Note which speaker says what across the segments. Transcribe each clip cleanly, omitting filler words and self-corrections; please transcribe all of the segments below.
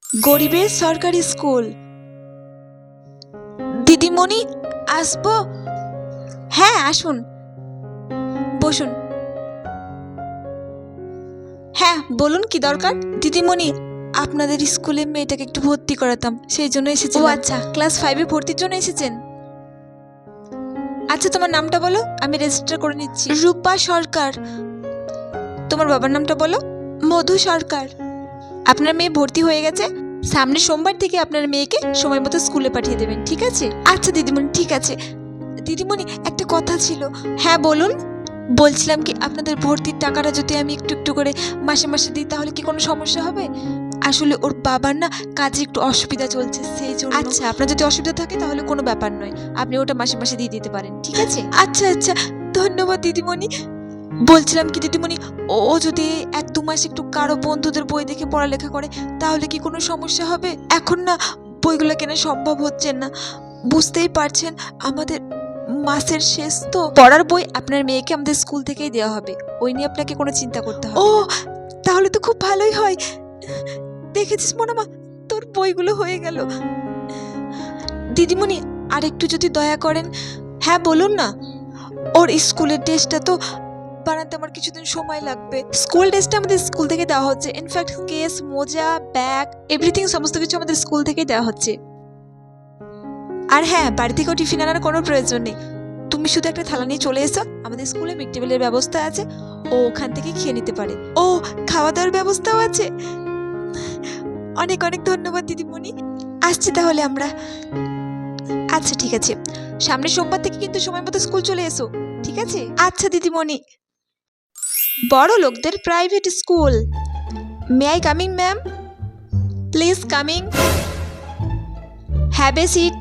Speaker 1: গরিবের সরকারি স্কুল। দিদিমণি আসবো? হ্যাঁ আসুন, বসুন। হ্যাঁ বলুন কি দরকার? দিদিমণি, আপনাদের স্কুলে মেয়েটাকে একটু ভর্তি করাতাম, সেই জন্য এসেছি। ও আচ্ছা, ক্লাস 5-এ ভর্তির জন্য এসেছেন? আচ্ছা তোমার নামটা বলো, আমি রেজিস্টার করে নিচ্ছি। রূপা সরকার। তোমার বাবার নামটা বলো। মধু সরকার। আপনার মেয়ে ভর্তি হয়ে গেছে, সামনের সোমবার থেকে আপনার মেয়েকে সময় মতো স্কুলে পাঠিয়ে দেবেন, ঠিক আছে? আচ্ছা দিদিমণি, ঠিক আছে। দিদিমণি একটা কথা ছিল। হ্যাঁ বলুন। বলছিলাম কি, আপনাদের ভর্তির টাকাটা যদি আমি একটু একটু করে মাসে মাসে দিই তাহলে কি কোনো সমস্যা হবে? আসলে ওর বাবার না কাজে একটু অসুবিধা চলছে, সেই জন্য। আচ্ছা আপনার যদি অসুবিধা থাকে তাহলে কোনো ব্যাপার নয়, আপনি ওটা মাসে মাসে দিয়ে দিতে পারেন, ঠিক আছে? আচ্ছা আচ্ছা, ধন্যবাদ দিদিমণি। বলছিলাম কি দিদিমণি, ও যদি 1-2 মাস একটু কারো বন্ধুদের বই দেখে পড়ালেখা করে তাহলে কি কোনো সমস্যা হবে? এখন না বইগুলো কেনা সম্ভব হচ্ছে না, বুঝতেই পারছেন আমাদের মাসের শেষ তো। পড়ার বই আপনার মেয়েকে আমাদের স্কুল থেকেই দেওয়া হবে, ওই নিয়ে আপনাকে কোনো চিন্তা করতে হবে না। ও তাহলে তো খুব ভালোই হয়। দেখেছিস মনামা, তোর বইগুলো হয়ে গেল। দিদিমণি আর একটু যদি দয়া করেন। হ্যাঁ বলুন না। ওর স্কুলের ড্রেসটা তো বানাতে আমার কিছুদিন সময় লাগবে। স্কুল ড্রেসটা আমাদের স্কুল থেকে দেওয়া হচ্ছে, ইনফ্যাক্ট কেস, মোজা, ব্যাগ, এভরিথিং সমস্ত কিছু আমাদের স্কুল থেকেই দেওয়া হচ্ছে। আর হ্যাঁ, বাড়ি থেকেও টিফিন আনার কোনো প্রয়োজন নেই, তুমি শুধু একটা থালা নিয়ে চলে এসো, আমাদের স্কুলে মিড ডে মিলের ব্যবস্থা আছে, ও ওখান থেকে খেয়ে নিতে পারে। ও খাওয়া দাওয়ার ব্যবস্থাও আছে? অনেক অনেক ধন্যবাদ দিদিমণি, আসছি তাহলে আমরা। আচ্ছা ঠিক আছে, সামনের সোমবার থেকে কিন্তু সময় মতো স্কুল চলে এসো, ঠিক আছে? আচ্ছা দিদিমণি। বড় লোকদের private school. May I coming ma'am? Please coming, have a seat.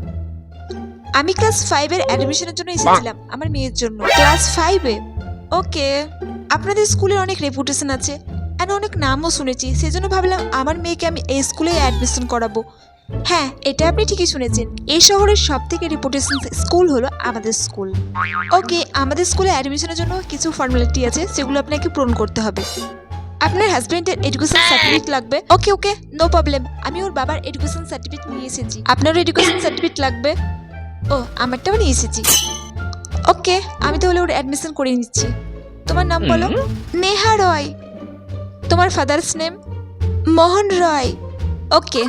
Speaker 1: আমি ক্লাস 5-এর অ্যাডমিশনের জন্য এসেছিলাম আমার মেয়ের জন্য। ক্লাস 5-এ? ওকে। আপনাদের স্কুলের অনেক রেপুটেশন আছে, এন্ড অনেক নামও শুনেছি, সেজন্য ভাবলাম আমার মেয়েকে আমি এই স্কুলে অ্যাডমিশন করাবো। হ্যাঁ এটা আপনি ঠিকই শুনেছেন, এই শহরের সব থেকে রেপুটেশন স্কুল হলো আমাদের স্কুল। ওকে, আমাদের স্কুলে অ্যাডমিশনের জন্য কিছু ফর্মালিটি আছে, সেগুলো আপনাকে পূরণ করতে হবে। আপনার হাজবেন্ডের এডুকেশন সার্টিফিকেট লাগবে। ওকে ওকে, নো প্রবলেম, আমি ওর বাবার এডুকেশন সার্টিফিকেট নিয়ে এসেছি। আপনারও এডুকেশন সার্টিফিকেট লাগবে? ও আমারটাও নিয়ে এসেছি। ওকে, আমি তাহলে ওর অ্যাডমিশন করে নিচ্ছি। তোমার নাম বলো। নেহা রয়। তোমার ফাদার্স নেম? মোহন রয়। ওকে,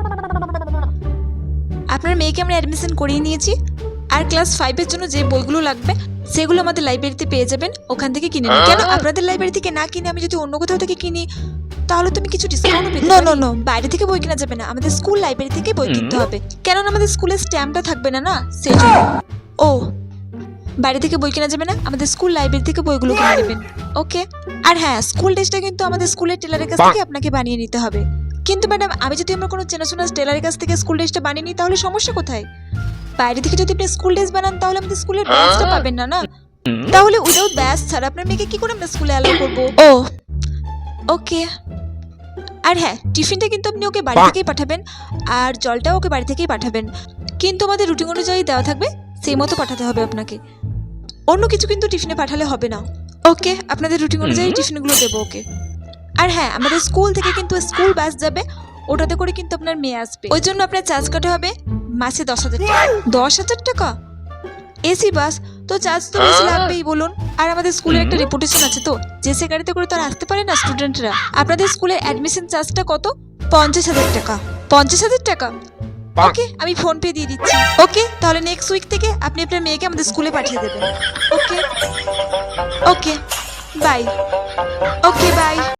Speaker 1: আপনার মেয়েকে আমরা অ্যাডমিশন করিয়ে নিয়েছি, আর ক্লাস 5-এর জন্য যে বইগুলো লাগবে সেগুলো আমাদের লাইব্রেরিতে পেয়ে যাবেন, ওখান থেকে কিনে নিন। কেন আপনাদের লাইব্রেরি থেকে না কিনে আমি যদি অন্য কোথাও থেকে কিনি তাহলে তুমি কিছু ডিসকাউন্টও পেতে পারি। নো, বাইরে থেকে বই কেনা যাবে না, আমাদের স্কুল লাইব্রেরি থেকে বই কিনতে হবে, কেননা আমাদের স্কুলের স্ট্যাম্পটা থাকবে না, না সেই জন্য। ও বাইরে থেকে বই কেনা যাবে না, আমাদের স্কুল লাইব্রেরি থেকে বইগুলো কিনে নেবেন। ওকে। আর হ্যাঁ, স্কুল ড্রেসটা কিন্তু আমাদের স্কুলের টেলারের কাছ থেকে আপনাকে বানিয়ে নিতে হবে। কিন্তু ম্যাডাম, আমি যদি আমরা কোনো চেনাশোনা টেলারের কাছ থেকে স্কুল ড্রেসটা বানিয়ে নিই তাহলে সমস্যা কোথায়? বাইরে থেকে যদি আপনি স্কুল ড্রেস বানান তাহলে আমাদের স্কুলের ব্যাচটা পাবেন না, না? তাহলে উইদাউট ব্যাচ ছাড়া আপনার মেয়েকে কি করে আমরা স্কুলে অ্যালাউ করবো? ও ওকে। আর হ্যাঁ, টিফিনটা কিন্তু আপনি ওকে বাড়ি থেকেই পাঠাবেন, আর জলটাও ওকে বাড়ি থেকেই পাঠাবেন, কিন্তু আমাদের রুটিন অনুযায়ী দেওয়া থাকবে, সেই মতো পাঠাতে হবে আপনাকে, অন্য কিছু কিন্তু টিফিনে পাঠালে হবে না। ওকে, আপনাদের রুটিন অনুযায়ী টিফিনগুলো দেবো ওকে। আর হ্যাঁ, আমাদের স্কুল থেকে কিন্তু স্কুল বাস যাবে, ওটাতে করে কিন্তু আপনার মেয়ে আসবে, ওই জন্য আপনার চার্জ কাটা হবে মাসে 10,000 টাকা। 10,000 টাকা? এসি বাস তো চার্জ তো বেশি লাগবেই বলুন। আর আমাদের স্কুলের একটা রেপুটেশন আছে তো, যে সে গাড়িতে করে তো আর আসতে পারে না স্টুডেন্টরা। আপনাদের স্কুলের অ্যাডমিশন চার্জটা কত? 50,000 টাকা। 50,000 টাকা? ওকে, আমি ফোন পে দিয়ে দিচ্ছি। ওকে, তাহলে নেক্সট উইক থেকে আপনি আপনার মেয়েকে আমাদের স্কুলে পাঠিয়ে দেবেন। Okay okay, bye. Okay by.